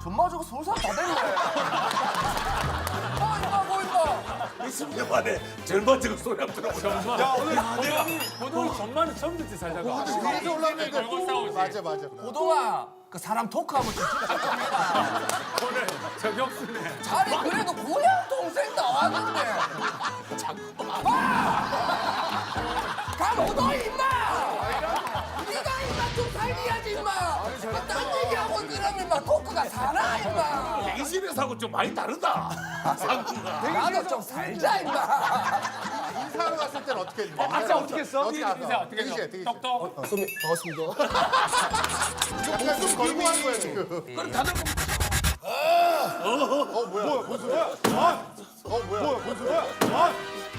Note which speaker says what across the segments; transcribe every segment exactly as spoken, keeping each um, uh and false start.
Speaker 1: 전마 저거 서울 사람 다 됐네. 아 이거 뭐 이거.
Speaker 2: 이십 년 만에 젊어지고 소리 한번 들어보자.
Speaker 3: 야 오늘 고동이 고동이 전만은 처음 듣지 살다가.
Speaker 4: 위에서 올라오는데 맞아 맞아.
Speaker 1: 고동아 그 사람 토크하면 좀 진짜 좀 해라.
Speaker 3: 오늘 저격수네.
Speaker 1: 아니 그래도 고향 동생 나왔는데. 아! 강호동 임마. 네가 임마 좀 살려야지 임마. 딴 얘기하고 그러면 임마 토크가 살아 임마.
Speaker 2: 대기실에서하고 좀 많이 다르다. 상구가.
Speaker 1: 나도 좀 살자 임마.
Speaker 4: 인사하러 갔을 때는 어떻게 했는데?
Speaker 3: 아까 어떻게 했어?
Speaker 4: 어떻게 했어?
Speaker 3: 인사 어떻게
Speaker 4: 대기실,
Speaker 3: 했어?
Speaker 4: 대기실.
Speaker 3: 똑똑.
Speaker 1: 선배 반갑습니다.
Speaker 4: 약간 좀 걸고 한 거야 지금.
Speaker 2: 그럼 다들
Speaker 4: 어 뭐야? 뭐야 무슨 소리야? 아! 어 뭐야? 뭐야 무슨 소리야? 아!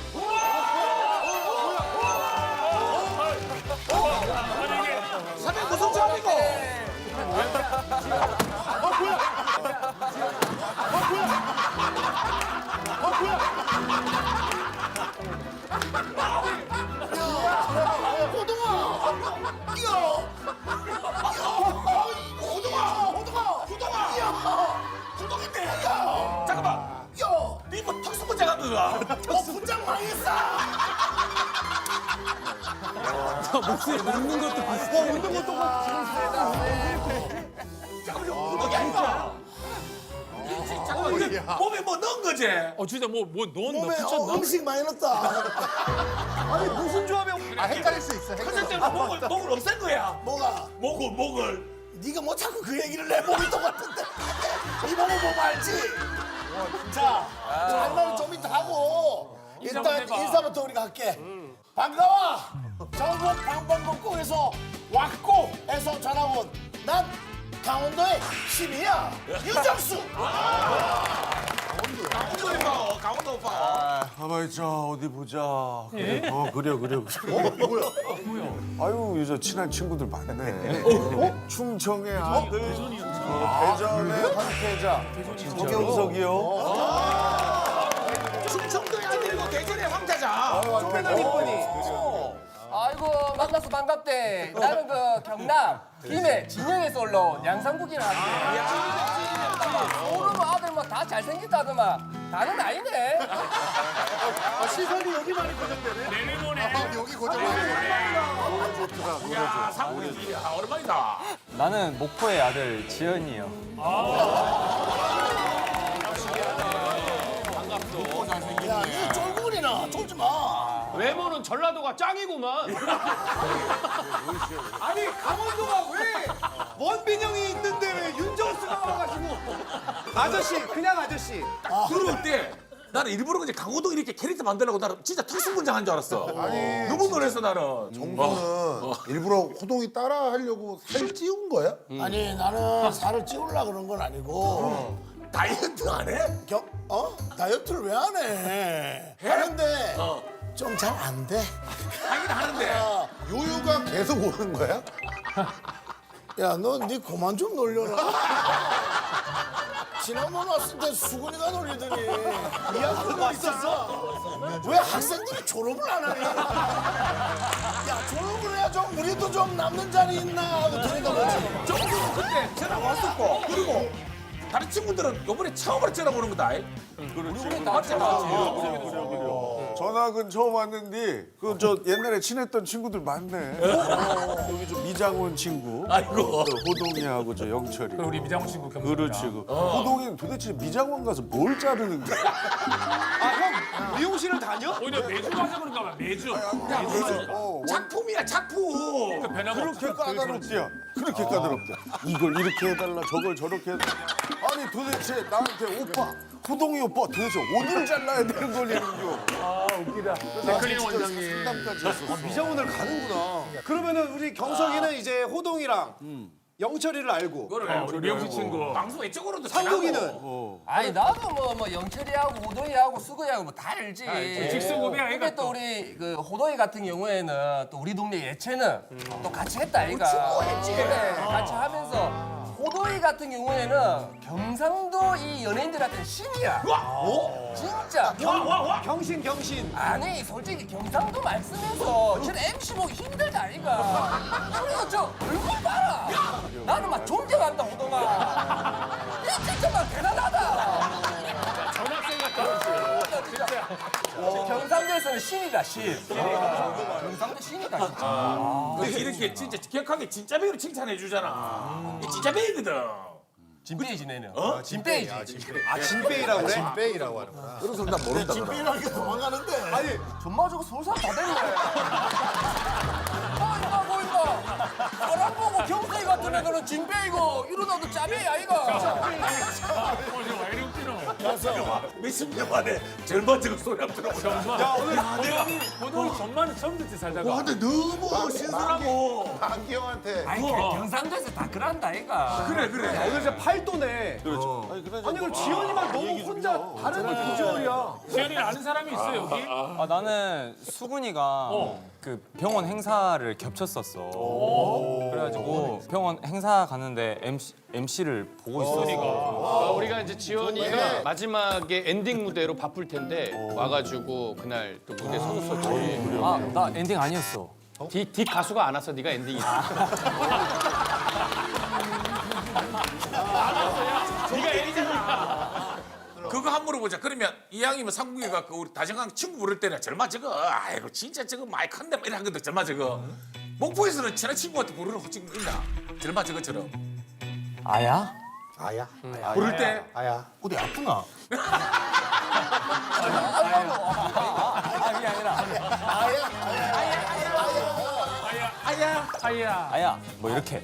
Speaker 2: 사장 무슨 조합이고? 잠깐만. 야, 니뭐 특수부장 한 거야? 어, 분장 망했어.
Speaker 3: 목소리 웃는 것도 비슷해. 어, 웃는 것도
Speaker 2: 잠깐만, 이거 아니까. 잠깐만, 이게
Speaker 4: 야.
Speaker 2: 몸에 뭐 넣은 거지?
Speaker 3: 어 진짜 뭐뭐 넣었나
Speaker 5: 몸에 어,
Speaker 3: 붙였나?
Speaker 5: 음식 많이 넣었다.
Speaker 4: 아니 무슨 조합이야? 아 헷갈릴 수 있어. 헷갈릴 수 있어.
Speaker 2: 컨셉대로 목을, 목을 없앤 거야.
Speaker 5: 뭐가?
Speaker 2: 목을, 목을.
Speaker 5: 네가 뭐 자꾸 그 얘기를 내 몸이 똑같은데. 이 몸을 보면 알지? 자, 장난은 좀 이따 하고 일단
Speaker 3: 인사 한번 해봐.
Speaker 5: 인사부터 우리가 할게. 반가워. 전국 방방곡곡에서 왔고 해서 전화 온 난 강원도의 신이야. 유정수.
Speaker 2: 강원도 오빠, 강원도 오빠.
Speaker 6: 가만히 있자 어디 보자. 그래. 어 그래 그래 그래.
Speaker 4: 뭐야?
Speaker 6: 아유 요즘 친한 친구들 많네. 어? 충청의 아들, 어, 대전의 황태자, 도경석이요.
Speaker 2: 충청도의 아들이고 대전의 황태자.
Speaker 1: 조매는 이쁘니. 아이고 만나서 반갑대. 나는 그 경남 김해 진영에서 올라온 양상국이라 하는데. 오늘 뭐 아들 뭐 다 잘생겼다더만. 다는 아니네.
Speaker 4: 아, 시선이 여기만 고정되네.
Speaker 3: 내리모네.
Speaker 4: 아, 여기 고정되네.
Speaker 2: 야, 상훈이 야, 오랜만이다.
Speaker 7: 나는 목포의 아들 지연이요.
Speaker 5: 야, 니 쫄구리나 쫄지 마.
Speaker 3: 외모는 전라도가 짱이구만.
Speaker 4: 아니 강원도가 왜 원빈형이 있는데 왜 윤정수가 와가지고? 아저씨 그냥 아저씨.
Speaker 2: 들어올 때 나는 일부러 그냥 강호동 이렇게 캐릭터 만들려고 나는 진짜 특수분장 한 줄 알았어.
Speaker 8: 아니,
Speaker 2: 너무 놀랐어 나는.
Speaker 8: 정수는 일부러 호동이 따라 하려고 살 찌운 거야?
Speaker 5: 아니 나는 살을 찌우려고 그런 건 아니고
Speaker 2: 다이어트 안 해?
Speaker 5: 겨, 어? 다이어트를 왜 안 해? 하는데
Speaker 2: 어.
Speaker 5: 좀 잘 안 돼.
Speaker 2: 하긴 하는데.
Speaker 8: 요요가 계속 오는 거야?
Speaker 5: 야, 너 니 그만 좀 놀려라. 지난번 왔을 때 수근이가 놀리더니 이학도 왔었어? 왜 학생들이 졸업을 안 하니? 야, 졸업을 해야 좀 우리도 좀 남는 자리 있나 하고 들여다보지.
Speaker 2: 정수는 그때 전화 왔었고 그리고 다른 친구들은 요번에 처음으로 전화 보는 거다.
Speaker 6: 그렇지.
Speaker 2: 맞지 맞지.
Speaker 6: 전학은 처음 왔는데 그 저 옛날에 친했던 친구들 많네. 여기 저 미장원 친구.
Speaker 2: 아이고.
Speaker 6: 그 호동이하고 저 영철이.
Speaker 3: 우리 미장원 친구 경남.
Speaker 6: 그렇지. 그 호동이는 도대체 미장원 가서 뭘 자르는 거야?
Speaker 4: 아형 미용실을 다녀?
Speaker 3: 오히려 매주 가서 그런가 봐. 매주.
Speaker 6: 어, 원-
Speaker 2: 작품이야 작품.
Speaker 3: 변함없어.
Speaker 6: 그렇게 까다롭대요. 그렇게 까다롭대. 이걸 이렇게 해달라, 저걸 저렇게 해달라. 아니 도대체 나한테 오빠, 호동이 오빠 도대체 어디를 잘라야 되는 거냐고. 아 웃기다.
Speaker 3: 클린 원장님.
Speaker 6: 상담까지 했었어.
Speaker 4: 미장원을 가는구나. 그러면은 우리 경석이는 이제 호동이랑 영철이를 알고.
Speaker 3: 어, 우리 미용실 친구.
Speaker 2: 방송 이쪽으로도
Speaker 4: 상국이는
Speaker 2: 지나고.
Speaker 1: 아니 나도 뭐 뭐 영철이하고 호동이하고 수근이하고 뭐 다 알지.
Speaker 3: 직수고비야,
Speaker 1: 근데
Speaker 3: 얘가
Speaker 1: 또
Speaker 3: 또.
Speaker 1: 우리 그 호동이 같은 경우에는 또 우리 동네 예체는 또 같이 했다 아이가.
Speaker 5: 친구 했지.
Speaker 1: 그래 같이 하면서 호동이 같은 경우에는 경상도 이 연예인들한테는 신이야.
Speaker 2: 와,
Speaker 1: 진짜.
Speaker 2: 와, 와, 와.
Speaker 4: 경신 경신.
Speaker 1: 아니 솔직히 경상도 말 쓰면서 쟤는 엠씨 보기 힘들다 아이가. 그리고 저 얼굴 봐라. 나는 막 존경한다 호동아. 이 진짜 막 대단하다.
Speaker 3: 전학생 같다. 진짜.
Speaker 1: 경상도에서는 신이다 신. 경상도 신이다 진짜.
Speaker 2: 근데 이렇게 진짜 격하게 진짜 배우를 칭찬해 주잖아. 이 진짜 배우거든.
Speaker 1: 진빼이지 내는. 어? 진빼이지.
Speaker 4: 아 진빼이라고 그래?
Speaker 8: 진빼이라고 하는구나.
Speaker 6: 그래서 나 모른다.
Speaker 5: 진빼이라는 게 도망가는데.
Speaker 1: 아니 전마 저거 서울 사람 다 되는 거야. 아 이거 뭐 이거. 사람 보고 경상이 같은 애들은 진빼이고 이러다도 짜배이 아이가.
Speaker 2: 몇십 년 만에 젊어지고 소리 한번 들어보자.
Speaker 3: 야 오늘 내가 오늘 전만은 처음 듣지 살다가.
Speaker 8: 와 근데 너무
Speaker 2: 신선하고.
Speaker 8: 안기영한테
Speaker 1: 아니 경상도에서 다 그런다 아이가.
Speaker 2: 그래 그래.
Speaker 4: 오늘 진짜 팔도네.
Speaker 6: 그렇죠. 아니, 그래,
Speaker 4: 아니 그럼 지현이만 너무 혼자 다른 비주얼이야.
Speaker 3: 지현이 아는 사람이 있어 여기?
Speaker 7: 아, 나는 수근이가 그 병원 행사를 겹쳤었어. 그래가지고 병원 행사 갔는데 엠씨, 엠씨를 보고 있었어.
Speaker 9: 어, 우리가 이제 지원이가 마지막에 엔딩 무대로 바쁠 텐데 와가지고 그날 또 무대 서줬어. 저희.
Speaker 7: 아, 나 엔딩 아니었어.
Speaker 9: 뒷, 뒷 가수가 안 와서 네가 엔딩이야. 네가 엔딩이야.
Speaker 2: 그거 한 물어보자. 그러면 이왕이면 상국이 가그 우리 다정강 친구 부를 때는 절마 저거 아이고 진짜 저거 많이 큰데 막 이러거든. 절마 저거. 목포에서는 친한 친구한테 부르는 호칭 있나? 절마 저거처럼.
Speaker 7: 아야?
Speaker 8: 아야
Speaker 2: 부를 때
Speaker 8: 아야
Speaker 5: 어디 아프나?
Speaker 7: 아니 아니라
Speaker 2: 아야
Speaker 3: 아야.
Speaker 7: 아야 뭐 이렇게.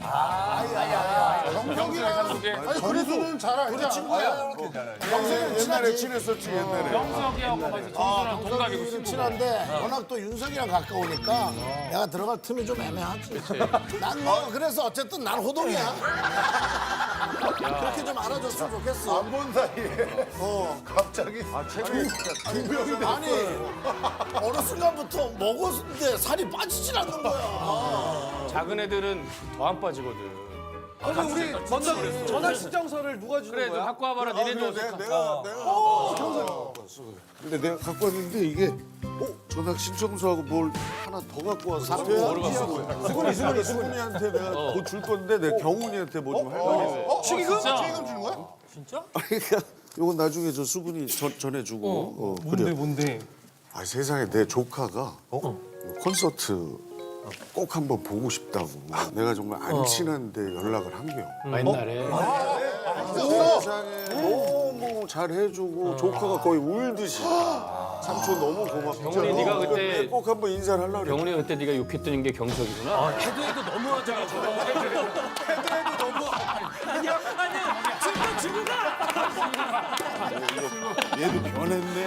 Speaker 8: 경석이랑 아니 그래서는 잘 알잖아 친구야
Speaker 6: 평소에 옛날에 친했었지 옛날에.
Speaker 3: 영석이하고 맞아 정수랑 동갑이고
Speaker 5: 좀
Speaker 3: 친구고.
Speaker 5: 친한데 워낙 또 윤석이랑 가까우니까 내가 들어갈 틈이 좀 애매하지. 난 뭐 그래서 어쨌든 난 호동이야. 그렇게 좀 알아줬으면 좋겠어.
Speaker 8: 안 본 사이에 어 갑자기 아 최근에 두 명이
Speaker 5: 아니 어느 순간부터 먹었는데 살이 빠지질 않는 거야.
Speaker 9: 작은 애들은 더 안 빠지거든.
Speaker 4: 아니 우리 먼저 전화 신청서를 누가 주는
Speaker 9: 그래 좀
Speaker 4: 거야?
Speaker 9: 갖고 와봐라. 니네도
Speaker 6: 아, 내가
Speaker 9: 어색하.
Speaker 6: 내가 내가 갖고 왔어. 근데 내가 갖고 왔는데 이게 어 전학 신청서하고 뭘 하나 더 갖고 와서 수근이 수근이 수근이한테 내가 뭐 줄 건데 내가 경훈이한테 뭐 좀 할 거야.
Speaker 8: 축의금? 축의금 주는 거야?
Speaker 6: 그러니까 이건 나중에 저 수근이 전, 전해주고. 어,
Speaker 3: 뭔데 뭔데?
Speaker 6: 아 세상에 내 조카가 콘서트 꼭 한번 보고 싶다고. 내가 정말 안 친한데 연락을 한 게요.
Speaker 9: 아, 옛날에.
Speaker 6: 세상에 너무 잘해주고 조카가 거의 울듯이. 삼촌 너무 고맙다.
Speaker 9: 경훈이 네가 그때-
Speaker 6: 꼭 한번 인사를 하려고 그래.
Speaker 9: 경훈이가 그때 네가 욕했던 게 경석이구나.
Speaker 3: 해도 해도 너무하잖아 저거. 해도 해도 너무. 아니야 아니야 진짜 죽는다.
Speaker 6: 얘도 변했네.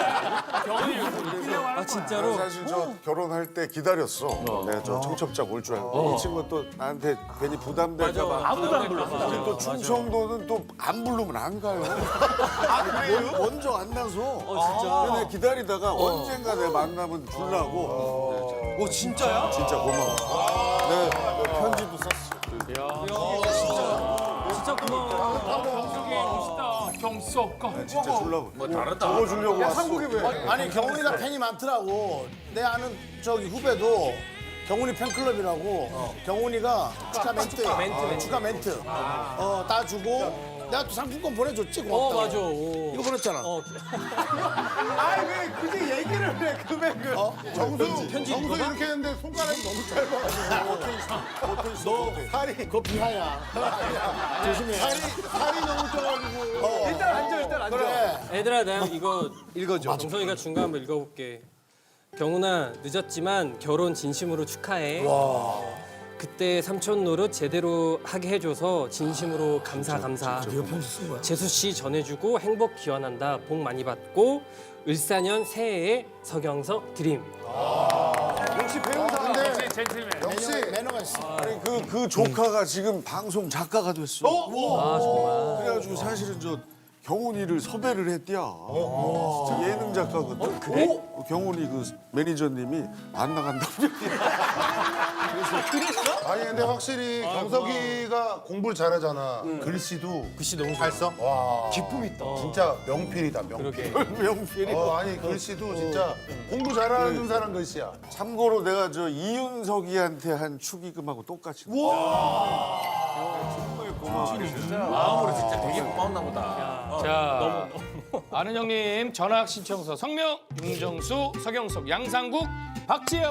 Speaker 3: 아 진짜로?
Speaker 6: 사실 저 결혼할 때 기다렸어. 내가 저 청첩장 올 줄 알고. 이 친구가 또 나한테 괜히 부담될까 봐.
Speaker 3: 아무도 안 불렀어.
Speaker 6: 또 충청도는 또 안 부르면 안 가요. 아, 그래요? 먼저 안 나서.
Speaker 3: 어 진짜.
Speaker 6: 근데 기다리다가 언젠가 내 만나면 주려고.
Speaker 3: 오 진짜야?
Speaker 6: 진짜 고마워. 내가 편지도 썼어.
Speaker 3: 진짜 고마워. 경석이 멋있다. 경석가.
Speaker 6: 진짜 주려고.
Speaker 2: 뭐 다르다.
Speaker 6: 적어주려고 왔어.
Speaker 5: 아니 경훈이가 팬이 많더라고. 내 아는 저기 후배도 경훈이 팬클럽이라고 경훈이가 축하 멘트, 멘트, 축하 멘트 어 따주고 내가 또 상품권 보내줬지 고맙다고.
Speaker 3: 어 맞아. 오.
Speaker 5: 이거 보냈잖아.
Speaker 3: 어.
Speaker 4: 아니 왜 굳이 얘기를 해 금액을?
Speaker 8: 정수 정수 이렇게 했는데 손가락이 너무 짧아가지고 너 살이
Speaker 5: 그거 비하야. 조심해.
Speaker 8: 살이 살이 너무 쪄가지고
Speaker 4: 어. 일단 앉아 일단 앉아.
Speaker 5: 그래.
Speaker 3: 얘들아 내가 이거
Speaker 4: 읽어줘.
Speaker 3: 정성이가 준 거 한번 읽어볼게. 경훈아 늦었지만 결혼 진심으로 축하해. 그때 삼촌 노릇 제대로 하게 해줘서 진심으로 감사 감사. 재수 씨 전해주고 행복 기원한다. 복 많이 받고 을사년 새해에 서경석 드림.
Speaker 4: 역시 배우사.
Speaker 8: 근데
Speaker 3: 젠틀맨.
Speaker 8: 역시
Speaker 5: 매너가 있어.
Speaker 6: 아니 그, 그 조카가 지금 방송 작가가 됐어.
Speaker 3: 아 정말.
Speaker 6: 그래가지고 사실은 저 경훈이를 섭외를 했디야. 진짜 예능 작가거든. 그래? 경훈이 그 매니저님이 안 나간다고
Speaker 8: 아니 근데 확실히 경석이가 공부를 잘하잖아. 글씨도
Speaker 3: 글씨 너무
Speaker 8: 잘 써? 와 기품 있다. 진짜 명필이다 명필.
Speaker 6: 명필이.
Speaker 8: 어 아니 글씨도 진짜 공부 잘하는 사람 글씨야.
Speaker 6: 참고로 내가 저 이윤석이한테 한 축의금하고 똑같이. 정말 고마워.
Speaker 2: 마음으로 진짜 되게 고마웠나 보다.
Speaker 9: 자, 아는 형님 전학 신청서 성명 윤정수, 서경석, 양상국, 박지영.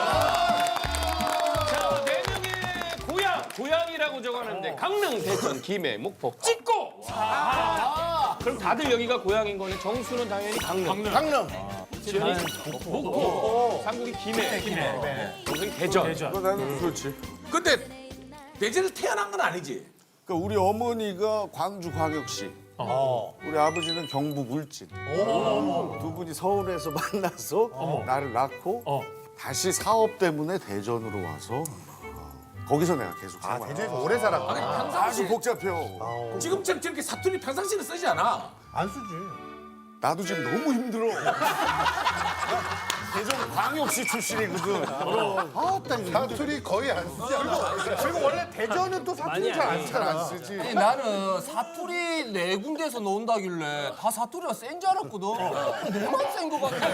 Speaker 9: 자, 네 명의 고향 고향이라고 적어놨는데 강릉, 대전, 김해, 목포 찍고. 그럼 다들 여기가 고향인 거네. 정수는 당연히 강릉.
Speaker 5: 강릉.
Speaker 9: 지현이 목포, 상국이 김해, 김해. 동생이 대전.
Speaker 6: 어, 나는 그렇지.
Speaker 2: 근데 대전에 태어난 건 아니지?
Speaker 6: 그러니까 우리 어머니가 광주광역시, 우리 아버지는 경북 울진. 두 분이 서울에서 만나서 나를 낳고 다시 사업 때문에 대전으로 와서 거기서 내가 계속
Speaker 8: 아,
Speaker 6: 생활.
Speaker 8: 대전에서 오래 살았구나.
Speaker 6: 아주
Speaker 2: 평상시
Speaker 6: 복잡해요.
Speaker 2: 지금처럼 저렇게 사투리 평상시는 쓰지 않아.
Speaker 8: 안 쓰지.
Speaker 6: 나도 지금 너무 힘들어. 대전 광역시 출신이거든.
Speaker 8: 사투리 거의 안 쓰지 않아.
Speaker 4: 그리고 원래 대전은 또 사투리 잘 안 쓰잖아.
Speaker 8: 안 쓰지.
Speaker 1: 아니, 나는 사투리 네 군데에서 나온다길래 다 사투리가 센 줄 알았거든. 내만 센 거 같아.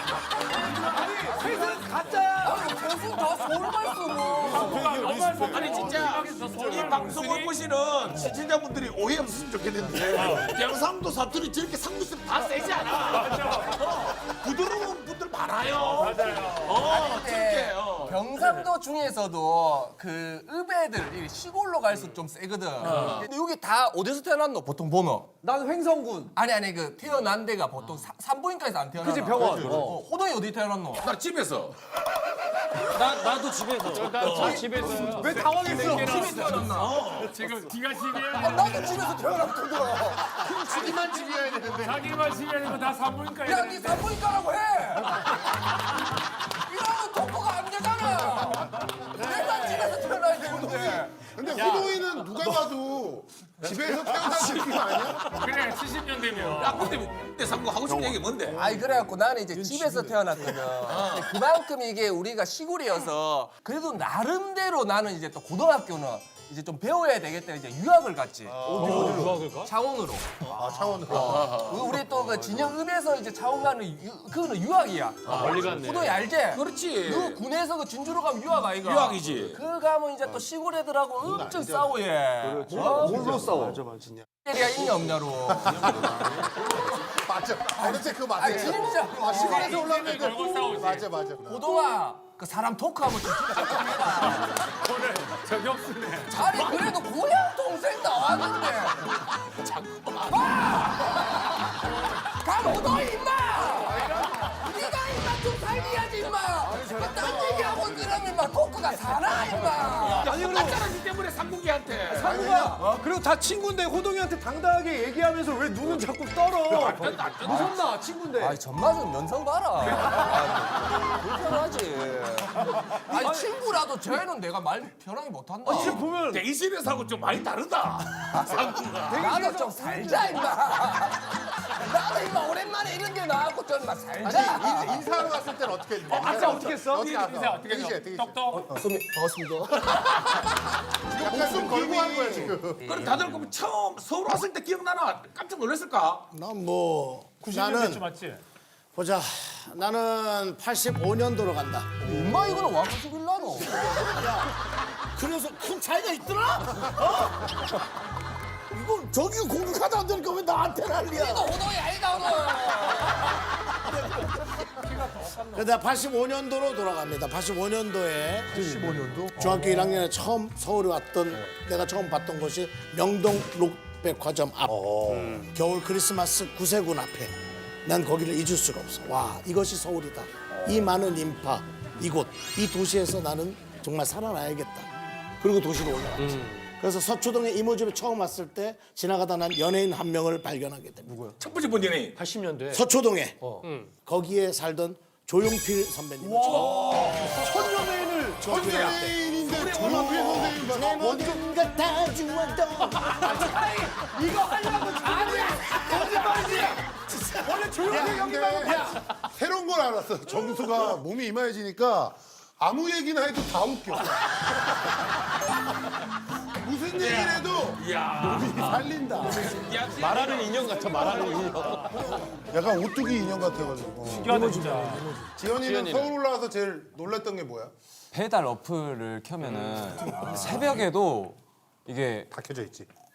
Speaker 4: 셋은 가짜야.
Speaker 1: 아니, 대수 다 서울말 쓰고.
Speaker 2: 아니 진짜 이 방송을 보시는 시청자분들이 오해 없으면 좋겠는데 경상도 사투리 저렇게 상무쌤 다 세지 않아. 어, 부드러운 분들 많아요. 맞아요. 어, 저렇게. 어.
Speaker 1: 경상도 중에서도 그 읍애들 이 시골로 갈수록 좀 세거든. 근데 여기 다 어디서 태어났노? 보통 보면.
Speaker 4: 난 횡성군.
Speaker 1: 아니 아니 그 태어난 데가 보통 사- 산부인과에서 안 태어나.
Speaker 4: 그치, 병원.
Speaker 1: 어, 호동이 어디 태어났노?
Speaker 2: 나 집에서
Speaker 3: 나 나도 집에서.
Speaker 9: 나 집에서.
Speaker 4: 왜 당황했어?
Speaker 1: 집에 태어났나?
Speaker 10: 지금 네가 집이야.
Speaker 1: 아, 나도 집에서 태어났거든.
Speaker 8: 자기만 집이어야 되는데.
Speaker 10: 자기만 집이 아니고 다 산부인과에.
Speaker 1: 야, 네 산부인과라고 해. 이러면 독보가 안 되잖아. 내가 집에서 태어나야 되는데.
Speaker 8: 근데 호동이는 누가 봐도 집에서 태어난 느낌 아니야?
Speaker 10: 그래 칠십 년 되면.
Speaker 2: 야 근데 내 상구 하고 싶은 얘기 뭔데?
Speaker 1: 아이 그래갖고 나는 이제 집에서 태어났거든. 근데 그만큼 이게 우리가 시골이어서 그래도 나름대로 나는 이제 또 고등학교는 이제 좀 배워야 되겠다 이제 유학을 갔지.
Speaker 3: 유학을 가?
Speaker 1: 창원으로.
Speaker 8: 아, 창원으로.
Speaker 1: 우리 또 그 진영읍에서 이제 창원 가는 유, 그거는 유학이야.
Speaker 9: 멀리 갔네.
Speaker 1: 호동이 알지?
Speaker 2: 그렇지.
Speaker 1: 너 군에서 그 진주로 가면 유학 아이가?
Speaker 2: 유학이지.
Speaker 1: 그 가면 이제 또 시골 애들하고 엄청 싸워 얘. 어?
Speaker 6: 뭘로 싸워? 맞아, 맞아.
Speaker 1: 때리야 있냐 없냐로.
Speaker 8: 맞아. 어느새 그거 맞아.
Speaker 1: 아니 진짜.
Speaker 8: 아, 시골에서 올라오면
Speaker 10: 걸고 싸우지.
Speaker 8: 맞아, 맞아.
Speaker 1: 호동아 그 사람 토크하면 좀 진짜
Speaker 10: 오늘 저격수네.
Speaker 1: 아니 그래도 고향 동생 나왔는데 감 호동이 임마 네가 임마 좀 살려야지 임마 딴 얘기하고 그러면 임마 토크가 살아 임마
Speaker 2: 아니 그럼 맞잖아 니 때문에 상국이한테.
Speaker 4: 상구가 그리고 다 친구인데 호동이한테 당당하게 얘기하면서 왜 눈은 자꾸 떨어? 무섭나 친구인데.
Speaker 1: 아니 전맞은 면상 봐라 아, 불편하지 아니 친구라도 쟤는 내가 말 편하게 못한다
Speaker 4: 지금 보면
Speaker 2: 대기실에서하고 좀 많이 다르다. 상구가.
Speaker 1: 나도 좀 살자 임마 나도 임마 오랜만에 이런 데 나왔고 좀 임마 살자
Speaker 8: 아니, 인- 인사하러 갔을 때는 어떻게 했는데?
Speaker 4: 아까 어떻게 했어?
Speaker 8: 어떻게 했어?
Speaker 10: 인사 어떻게
Speaker 8: 대기실,
Speaker 10: 했어?
Speaker 8: 대기실.
Speaker 10: 똑똑.
Speaker 1: 선배 반갑습니다
Speaker 8: 약간 좀 걸고 한 거야, 지금.
Speaker 2: 그럼 다들 그럼 처음 서울 왔을 때 기억나나? 깜짝 놀랐을까?
Speaker 5: 난 뭐
Speaker 10: 구십 년
Speaker 5: 나는
Speaker 10: 맞지?
Speaker 5: 보자. 나는 팔십오 년도로 간다.
Speaker 1: 엄마 이거는 와가지고 빌라노
Speaker 5: 그래서 큰 차이가 있더라? 어? 이거 저기 공격하다 안 되니까 왜 나한테 난리야?
Speaker 1: 이거 호동이 아니다 오늘
Speaker 5: 그래서 내가 팔십오 년도로 돌아갑니다. 팔십오 년도에 팔십오 년도? 중학교 일 학년에 처음 서울에 왔던 내가 처음 봤던 곳이 명동 록백화점 앞 겨울 크리스마스 구세군 앞에 난 거기를 잊을 수가 없어. 와 이것이 서울이다. 이 많은 인파 이곳 이 도시에서 나는 정말 살아나야겠다. 그리고 도시로 올라왔지. 그래서 서초동에 이모 집에 처음 왔을 때 지나가다 난 연예인 한 명을 발견하게 됩니다.
Speaker 2: 첫 번째 본 연예인.
Speaker 9: 팔십 년대.
Speaker 5: 서초동에 거기에 살던 조용필 선배님을
Speaker 4: 첫 연예인을
Speaker 8: 선생님인데 조용필 선생님 봐.
Speaker 5: 내 모든 것다 주어도
Speaker 4: 이거 하려고 아니야. 거짓말이지. 원래 조용히
Speaker 8: 야,
Speaker 4: 여기만
Speaker 8: 근데 새로운 걸 알았어. 정수가 몸이 이마해지니까 아무 얘기나 해도 다 웃겨. 무슨 얘기를 해도
Speaker 2: 이야.
Speaker 8: 몸이 살린다.
Speaker 9: 말하는 인형 같아, 말하는 인형.
Speaker 8: 약간 오뚜기 인형 같아가지고.
Speaker 10: 신기하다 진짜.
Speaker 8: 지현이는
Speaker 9: 지현이는?
Speaker 8: 서울 올라와서 제일 놀랐던 게 뭐야?
Speaker 7: 배달 어플을 켜면은 새벽에도 이게
Speaker 8: 다 켜져 있지.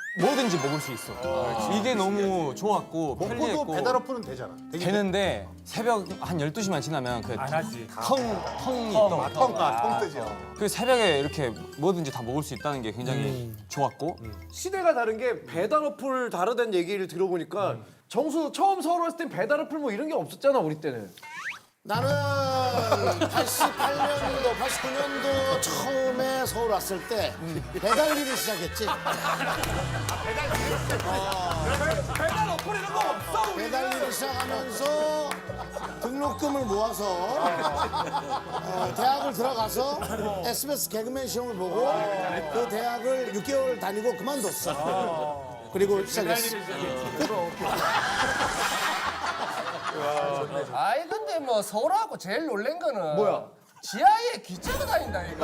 Speaker 7: 뭐든지 먹을 수 있어. 이게 너무 좋았고
Speaker 8: 먹고도
Speaker 7: 편리했고
Speaker 8: 배달 어플은 되잖아. 되긴
Speaker 7: 되는데 새벽 한 열두 시만 지나면 그
Speaker 10: 안 하지.
Speaker 7: 텅, 텅이 있던
Speaker 8: 돼. 통가 통뜨죠.
Speaker 7: 그 새벽에 이렇게 뭐든지 다 먹을 수 있다는 게 굉장히 좋았고
Speaker 4: 시대가 다른 게 배달 어플 다르다는 얘기를 들어보니까 정수 처음 서울 왔을 땐 배달 어플 뭐 이런 게 없었잖아 우리 때는.
Speaker 5: 나는 팔십팔 년도, 팔십구 년도 처음에 서울 왔을 때 배달 일을 시작했지.
Speaker 4: 배달 어플 이런 거 없어.
Speaker 5: 배달 일을 시작하면서 등록금을 모아서 어, 대학을 들어가서 에스비에스 개그맨 시험을 보고 그 대학을 육 개월 다니고 그만뒀어. 그리고 시작했어.
Speaker 1: 아이 근데 뭐 서울하고 제일 놀란 거는 뭐야? 지하에 기차가 다닌다 이거.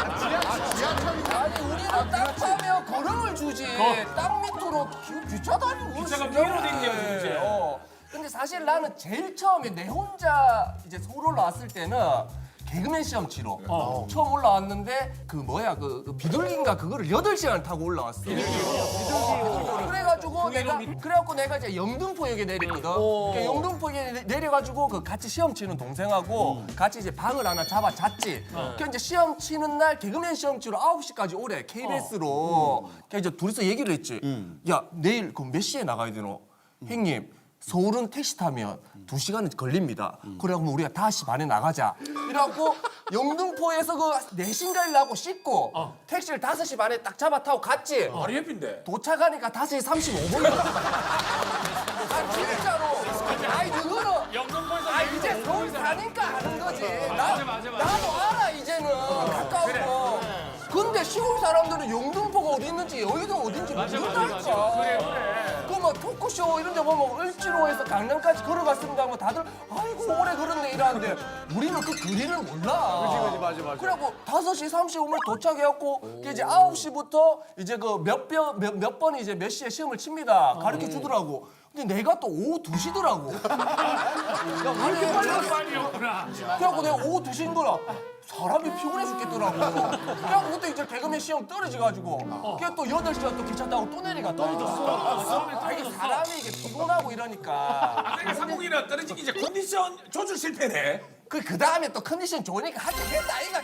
Speaker 1: 아니 우리는 땅 파면 거름을 주지. 땅 밑으로 기, 기차 다니고
Speaker 10: 기차가
Speaker 1: 진짜
Speaker 10: 위로 댕겨야지, 이제.
Speaker 1: 어. 근데 사실 나는 제일 처음에 내 혼자 이제 서울 올라왔을 때는 개그맨 시험 치러 처음 올라왔는데 그 뭐야 그, 그 비둘기인가 그거를 여덟 시간을 타고 올라왔어. 어, 그래가지고 내가 그래갖고 내가 이제 영등포역에 내렸거든. 그러니까 영등포역에 내- 내려가지고 그 같이 시험 치는 동생하고 같이 이제 방을 하나 잡아 잤지. 그러니까 이제 시험 치는 날 개그맨 시험 치러 아홉 시까지 오래 케이비에스로. 그러니까 이제 둘이서 얘기를 했지. 야 내일 그 몇 시에 나가야 되노? 형님. 서울은 택시 타면 두 시간 걸립니다. 그래갖고 우리가 다섯 시 반에 나가자. 이래갖고 영등포에서 그 내신 가려고 씻고 택시를 다섯 시 반에 딱 잡아 타고 갔지.
Speaker 2: 바로 옆인데.
Speaker 1: 도착하니까 다섯 시 삼십오 분이야. 아 진짜로. 아이 그거는
Speaker 10: 영등포에서
Speaker 1: 아 이제 서울 사니까 아는 거지. 나,
Speaker 10: 맞아, 맞아, 맞아.
Speaker 1: 나도 알아 이제는 가까워. 근데 시골 사람들은 영등포가 어디 있는지 여의도 어딘지 모른다니까.
Speaker 10: 그래, 그래.
Speaker 1: 그뭐 토크쇼 이런 데 보면 을지로에서 강남까지 걸어갔습니다 하면 다들 아이고 오래 걸었네 이러는데 우리는 그 거리를 몰라.
Speaker 4: 그렇지 그렇지 맞아 맞아.
Speaker 1: 그래갖고 다섯 시 삼십오 분 도착해갖고 그 이제 아홉 시부터 이제 그 몇 번 몇, 몇 번이 이제 몇 시에 시험을 칩니다. 가르쳐 주더라고. 근데 내가 또 오후 두 시더라고. 야, 이렇게 빨리 왔어?
Speaker 10: 빨리였구나.
Speaker 1: 그래갖고 내가 오후 두 시인 거라 사람이 피곤해 죽겠더라고. 그래갖고 그때 이제 개그맨 시험 떨어져가지고 그래 또 여덟 시간 또 기차 타고 또 내려가 떨어졌어. 아, 이게 사람이 이게 피곤하고 이러니까.
Speaker 2: 내가 상공이라 떨어지기 이제 컨디션 조절 실패네.
Speaker 1: 그, 그 다음에 또 컨디션 좋으니까 하긴 했다, 아이가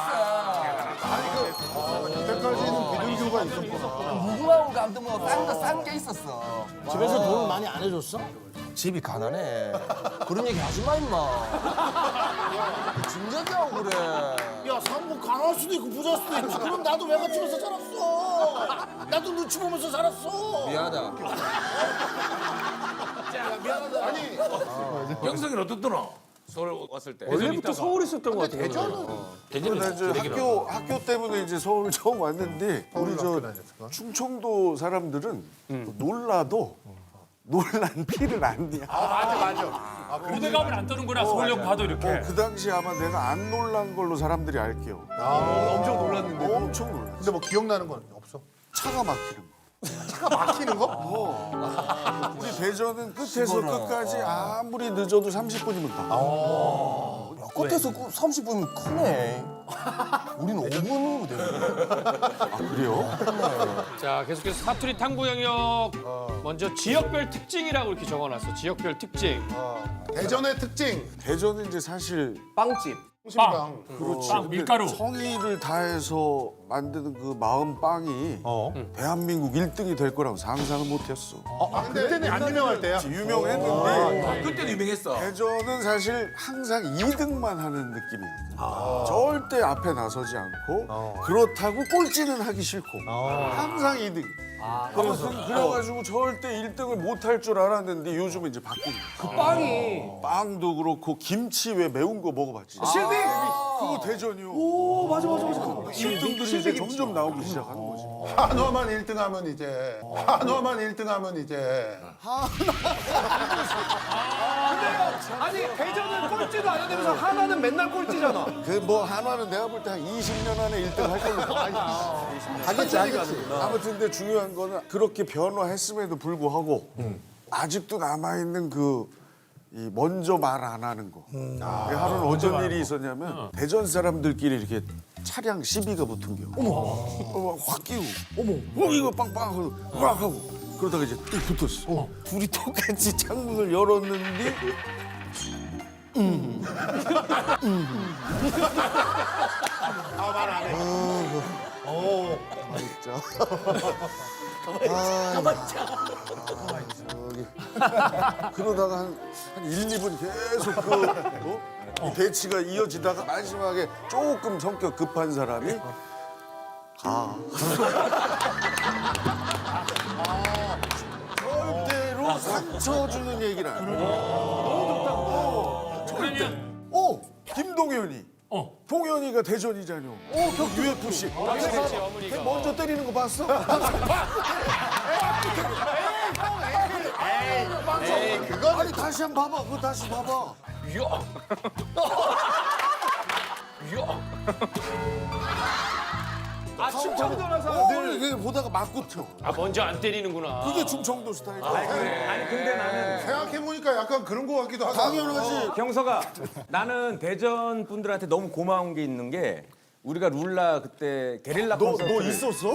Speaker 1: 케이비에스.
Speaker 8: 그때까지는 비둘기가 있었구나.
Speaker 1: 무궁화원 감도 뭐 싼 거 싼 게 있었어.
Speaker 5: 집에서 돈을 많이 안 해줬어?
Speaker 1: 집이 가난해. 그런 얘기 하지 마, 임마. 진작이하고 그래.
Speaker 5: 야, 상무 가난할 수도 있고 부자일 수도 있지. 그럼 나도 외갓집에서 살았어. 나도 눈치 보면서 살았어.
Speaker 1: 미안하다.
Speaker 2: 영석이는 어떻더라? 서울 왔을 때.
Speaker 4: 원래부터 서울에 있었던 것 같아.
Speaker 6: 근데 이제 학교 학교 때문에 이제 서울 처음 왔는데 우리 저 충청도 사람들은 놀라도 놀란 티를 안 내.
Speaker 10: 맞아, 맞아. 무대 가면 안 떠는구나. 서울역 봐도 이렇게.
Speaker 6: 어, 그 당시 아마 내가 안 놀란 걸로 사람들이 알게요.
Speaker 8: 엄청 놀랐는데.
Speaker 6: 엄청 놀랐어.
Speaker 8: 근데 뭐 기억나는 건 없어?
Speaker 6: 차가 막히는 거.
Speaker 8: 차가 막히는 거?
Speaker 6: 우리 대전은 끝에서 끝까지 아무리 늦어도 삼십 분이면 가.
Speaker 1: 끝에서 그 삼십 분이면 크네. 우리는 오 분이면 되는데.
Speaker 6: 아, 그래요?
Speaker 9: 자, 계속해서 사투리 탐구 영역. 먼저 지역별 특징이라고 이렇게 적어놨어. 지역별 특징.
Speaker 8: 대전의 특징.
Speaker 6: 대전은 이제 사실
Speaker 1: 빵집.
Speaker 8: 통신방.
Speaker 6: 그렇지.
Speaker 10: 빵,
Speaker 6: 근데
Speaker 10: 밀가루.
Speaker 6: 성의를 다해서 만드는 그 마음 빵이 대한민국 일 등이 될 거라고 상상을 못했어.
Speaker 8: 아, 그때는 안 유명할 때야?
Speaker 6: 유명했는데
Speaker 2: 그때도 유명했어.
Speaker 6: 대전은 사실 항상 이 등만 하는 느낌이거든. 절대 앞에 나서지 않고 그렇다고 꼴찌는 하기 싫고 항상 이 등. 아무튼 그래가지고 절대 일 등을 못 할 줄 알았는데 요즘은 이제 바뀐 거야.
Speaker 4: 그 빵이
Speaker 6: 빵도 그렇고 김치 왜 매운 거 먹어봤지?
Speaker 4: 실비.
Speaker 6: 그거 대전이요.
Speaker 4: 오 맞아 맞아 맞아.
Speaker 6: 일 등들이 이제 점점 나오기 시작하는 거지.
Speaker 8: 한화만 일 등 하면 이제. 한화만 일 등 하면 이제.
Speaker 4: 아니 대전은 꼴찌도 안 되면서 하나는 맨날 꼴찌잖아.
Speaker 6: 그 뭐 한화는 내가 볼 때 한 이십 년 안에 일 등 할 걸로. 하겠지 하겠지. 아무튼 근데 중요한 거는 그렇게 변화했음에도 불구하고 아직도 남아있는 그 이 먼저 말 안 하는 거. 하루는 어떤 일이 있었냐면 대전 사람들끼리 이렇게 차량 시비가 붙은 겨. 어머, 어, 확 끼고, 어머, 어, 이거 빵빵 하고, 막 하고, 그러다가 이제 또 붙었어. 둘이 똑같이 창문을 열었는데,
Speaker 8: 아말 안 해.
Speaker 6: 진짜. 저기. 그러다가 한, 한 일, 이 분 계속 그, 어? 이 대치가 이어지다가 마지막에 조금 성격 급한 사람이 가. 절대로 상처 주는 얘기를 안 해. 너무 좋다고. 절대. 어, 김동현이.
Speaker 10: 어.
Speaker 6: 동현이가 대전이잖여. 어, 격 유에프씨. 걔 먼저 때리는 거 봤어? 에이, 그거 아니 다시 한 번 봐봐. 그거 다시 봐봐.
Speaker 4: 아 충청도라서
Speaker 6: 어,
Speaker 4: 늘.
Speaker 6: 이게 보다가 맞고 쳐.
Speaker 9: 아 먼저 안 때리는구나.
Speaker 6: 그게 충청도 스타일이야.
Speaker 8: 아니 근데 나는 생각해보니까 약간 그런 거 같기도 하다.
Speaker 6: 당연하지.
Speaker 11: 경서가 나는 대전 분들한테 너무 고마운 게 있는 게 우리가 룰라 그때 게릴라
Speaker 6: 너,
Speaker 11: 콘서트
Speaker 6: 너 있었어?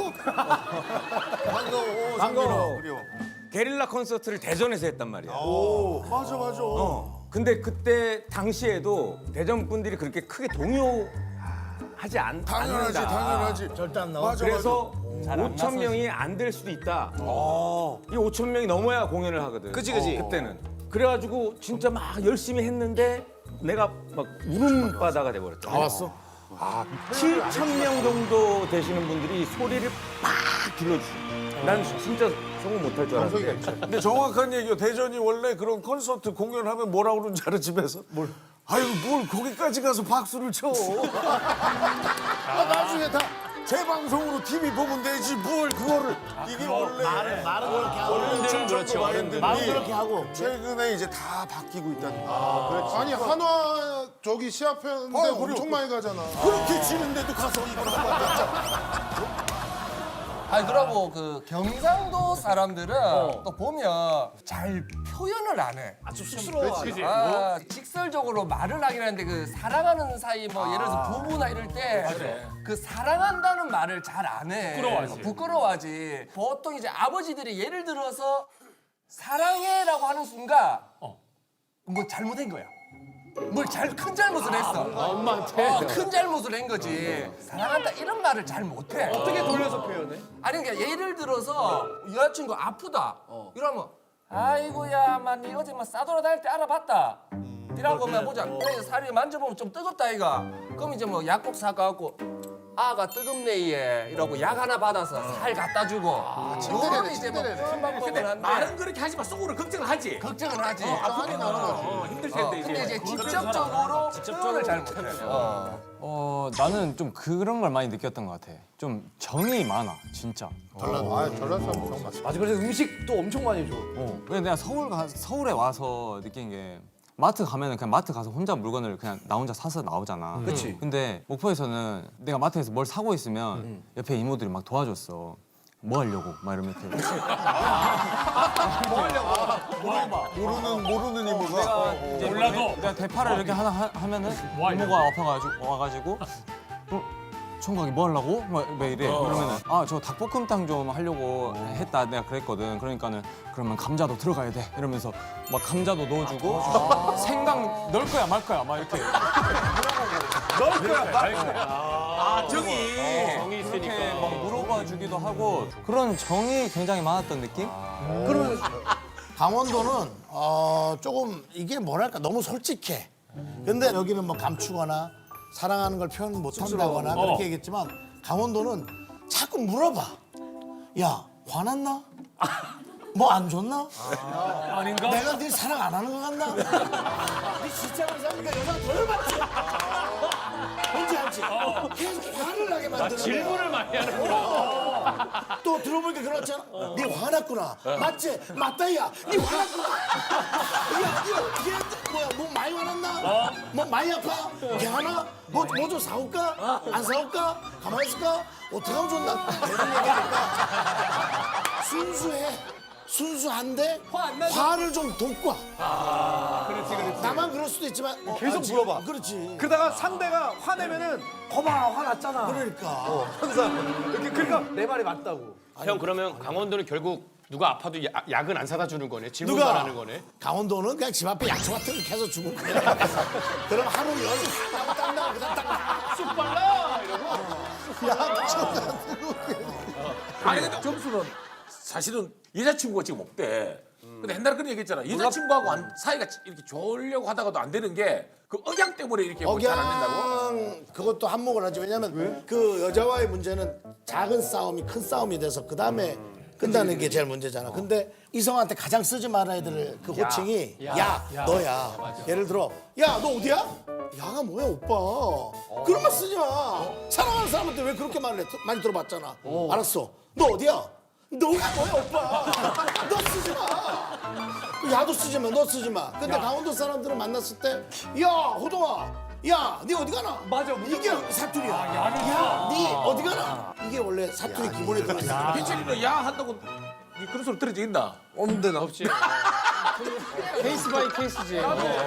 Speaker 6: 반가워.
Speaker 11: 반가워.
Speaker 6: 그래요.
Speaker 11: 게릴라 콘서트를 대전에서 했단 말이야.
Speaker 6: 오, 맞아, 맞아.
Speaker 11: 어. 근데 그때 당시에도 대전 분들이 그렇게 크게 동요하지 않,
Speaker 6: 당연하지,
Speaker 11: 않는다.
Speaker 6: 당연하지.
Speaker 5: 절대 안 나와.
Speaker 6: 맞아,
Speaker 11: 그래서 오천 명이 안 될 수도 있다. 이 오천 명이 넘어야 공연을 하거든.
Speaker 4: 그치, 그치.
Speaker 11: 그때는. 그래가지고 진짜 막 열심히 했는데 내가 막 울음바다가 돼버렸다.
Speaker 5: 다 왔어?
Speaker 11: 칠천 명 정도 되시는 분들이 소리를 막 질러주시. 난 진짜 성공 못할 줄 알았는데.
Speaker 6: 근데 정확한 얘기요. 대전이 원래 그런 콘서트 공연하면 뭐라 그러는지 알아, 집에서? 뭘? 아유, 뭘 거기까지 가서 박수를 쳐. 아, 나중에 다 재방송으로 티비 보면 되지, 뭘 그거를. 이게 원래.
Speaker 5: 말은 말은 그렇게 하고.
Speaker 6: 어른들은
Speaker 9: 그렇죠, 어른들은.
Speaker 5: 말은 그렇게 하고.
Speaker 6: 최근에 이제 다 바뀌고 있다는 거.
Speaker 8: 아니 한화 저기 시합했는데
Speaker 6: 아유, 그래요.
Speaker 8: 엄청 많이 가잖아.
Speaker 6: 그렇게 지는데도 가서 이걸 한번 했잖아.
Speaker 1: 아니 그러고 그 경상도 사람들은 또 보면 잘 표현을 안 해.
Speaker 4: 좀 쑥스러워.
Speaker 1: 아, 직설적으로 말을 하긴 하는데 그 사랑하는 사이 뭐 예를 들어서 부부나 이럴 때 그 사랑한다는 말을 잘 안 해.
Speaker 10: 부끄러워하지.
Speaker 1: 부끄러워하지. 보통 이제 아버지들이 예를 들어서 사랑해라고 하는 순간 뭐 잘못한 거야. 뭘 잘 큰 잘못을 했어.
Speaker 9: 엄마한테.
Speaker 1: 어, 큰 잘못을 한 거지. 사랑한다 이런 말을 잘 못해.
Speaker 4: 어떻게 돌려서 표현해?
Speaker 1: 아니 그러니까 예를 들어서 여자친구 아프다 이러면 아이고야 만니 어제 막 싸돌아 다닐 때 알아봤다 이라고 하면 보자 그래 살이 만져보면 좀 뜨겁다 이가 그럼 이제 뭐 약국 사가갖고 아가 뜨겁네 얘 이러고 약 하나 받아서 살 갖다 주고 요거는 이제 뭐 그런 방법을 한데
Speaker 2: 말은 그렇게 하지만 속으로 걱정을 하지.
Speaker 1: 걱정은 하지
Speaker 2: 아프게 나는 거지. 어, 힘들 텐데
Speaker 1: 어,
Speaker 2: 이제.
Speaker 1: 근데 이제 직접적으로 표현을 잘 못해 어.
Speaker 7: 어 나는 좀 그런 걸 많이 느꼈던 것 같아. 좀 정이 많아 진짜.
Speaker 8: 전라도 아 전라도 사람 정 맞지.
Speaker 4: 맞아, 그래서 음식도 엄청 많이 줘.
Speaker 7: 어. 근데 내가 서울 가, 서울에 와서 느낀 게 마트 가면은 그냥 마트 가서 혼자 물건을 그냥 나 혼자 사서 나오잖아.
Speaker 4: 그치.
Speaker 7: 근데 목포에서는 내가 마트에서 뭘 사고 있으면 옆에 이모들이 막 도와줬어. 뭐 하려고? 막 이러면 이렇게.
Speaker 6: 모르는, 모르는 이모가.
Speaker 7: 이제
Speaker 10: 몰라도.
Speaker 7: 내가 대파를 이렇게 하나 하, 하면은
Speaker 10: 뭐 하려고?
Speaker 7: 이모가 아파가지고 와가지고 어, 총각이 뭐 하려고? 막 왜 이래? 그러면은 아 저 닭볶음탕 좀 하려고 했다 내가 그랬거든. 그러니까는 그러면 감자도 들어가야 돼 이러면서 막 감자도 넣어주고 생강 넣을 거야 말 거야 막 이렇게
Speaker 11: 아 정이.
Speaker 9: 정이
Speaker 7: 이렇게
Speaker 9: 있으니까.
Speaker 7: 막 물어봐 주기도 하고 그런 정이 굉장히 많았던 느낌?
Speaker 5: 그러면 강원도는 어, 조금 이게 뭐랄까 너무 솔직해. 근데 여기는 뭐 감추거나 사랑하는 걸 표현 못 한다거나 그렇게 얘기했지만 강원도는 자꾸 물어봐. 야 화났나? 뭐 안 좋나?
Speaker 10: 아닌가?
Speaker 5: 내가 네 사랑 안 하는 것 같나? 네 진짜로 사니까 여자가 더 열받지. 뭔지 알지? 계속 화를 나게 만드는 거야.
Speaker 9: 질문을 많이 하는구나.
Speaker 5: 또 들어보니까 그렇잖아. 네 화났구나. 맞지? 맞다 야. 네 화났구나. 야, 이거 얘 뭐야? 뭐 많이 화났나? 뭐 많이 아파? 괜찮아? 뭐 뭐 좀 사올까? 안 사올까? 가만히 있을까? 어떻게 하면 좋나? 이런 얘기하니까 순수해. 순수한데 화를 좀 돋고 와.
Speaker 4: 그렇지 그렇지.
Speaker 5: 나만 그럴 수도 있지만
Speaker 4: 계속 물어봐.
Speaker 5: 그렇지.
Speaker 4: 그러다가 상대가 화내면은 거봐 화났잖아.
Speaker 5: 그러니까
Speaker 4: 항상 이렇게 그러니까 내 말이 맞다고.
Speaker 9: 형 그러면 강원도는 결국 누가 아파도 야, 약은 안 사다 주는 거네. 질문만
Speaker 5: 누가?
Speaker 9: 하는 거네.
Speaker 5: 강원도는 그냥 집 앞에 약초 같은 거 계속 주고 그래. 그럼 하루 열하고 땀나고 그다음 딱 나.
Speaker 9: 쑥 빨라 이러고.
Speaker 5: 약초 같은 거.
Speaker 2: 아니 근데 점수는 사실은 여자친구가 지금 없대. 근데 옛날에 그런 얘기 했잖아. 여자친구하고 안- 사이가 이렇게 좋으려고 하다가도 안 되는 게 그 억양 때문에 이렇게 뭐 잘 안 된다고?
Speaker 5: 억양 그것도 한몫을 하지. 왜냐면 그 여자와의 문제는 작은 싸움이 큰 싸움이 돼서 그 다음에 끝나는 게 제일 문제잖아. 근데 이성한테 가장 쓰지 말아야 될 그 호칭이 야, 너야. 예를 들어 야 너 어디야? 야가 뭐야 오빠. 그런 말 쓰지 마. 사랑하는 사람한테 왜 그렇게 말을 해? 많이 들어봤잖아. 알았어. 너 어디야? 너가 뭐야 오빠. 너 쓰지 마. 야도 쓰지 마. 너 쓰지 마. 근데 강원도 사람들은 만났을 때 야 호동아. 야, 네 어디 가나?
Speaker 4: 맞아,
Speaker 5: 이게 사투리야. 야, 네 어디 가나? 이게 원래 사투리 기본에 들어있어.
Speaker 2: 빈철이는 야 한다고 니 그런 소리 들은 적 있나?
Speaker 3: 없는데 나 없지. 케이스 바이 케이스지.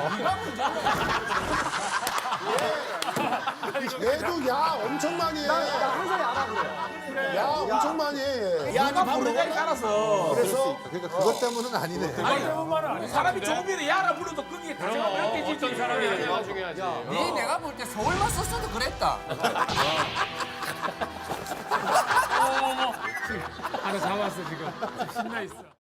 Speaker 8: 얘도 야 엄청 많이 해. 나 항상 야라 그래. 야 엄청 많이 해.
Speaker 5: 야,
Speaker 2: 누가
Speaker 5: 네
Speaker 2: 부르냐에 따라서.
Speaker 5: 그래서
Speaker 8: 그러니까 그것 때문은 아니네.
Speaker 2: 아니, 사람이 좋으면 야라 불러도 거기에 다정가 그렇게 지지.
Speaker 9: 어떤 사람이냐가 중요하지.
Speaker 1: 네 내가 볼 때 서울만 썼어도 그랬다.
Speaker 10: 하나 잡았어 지금. 신나 있어.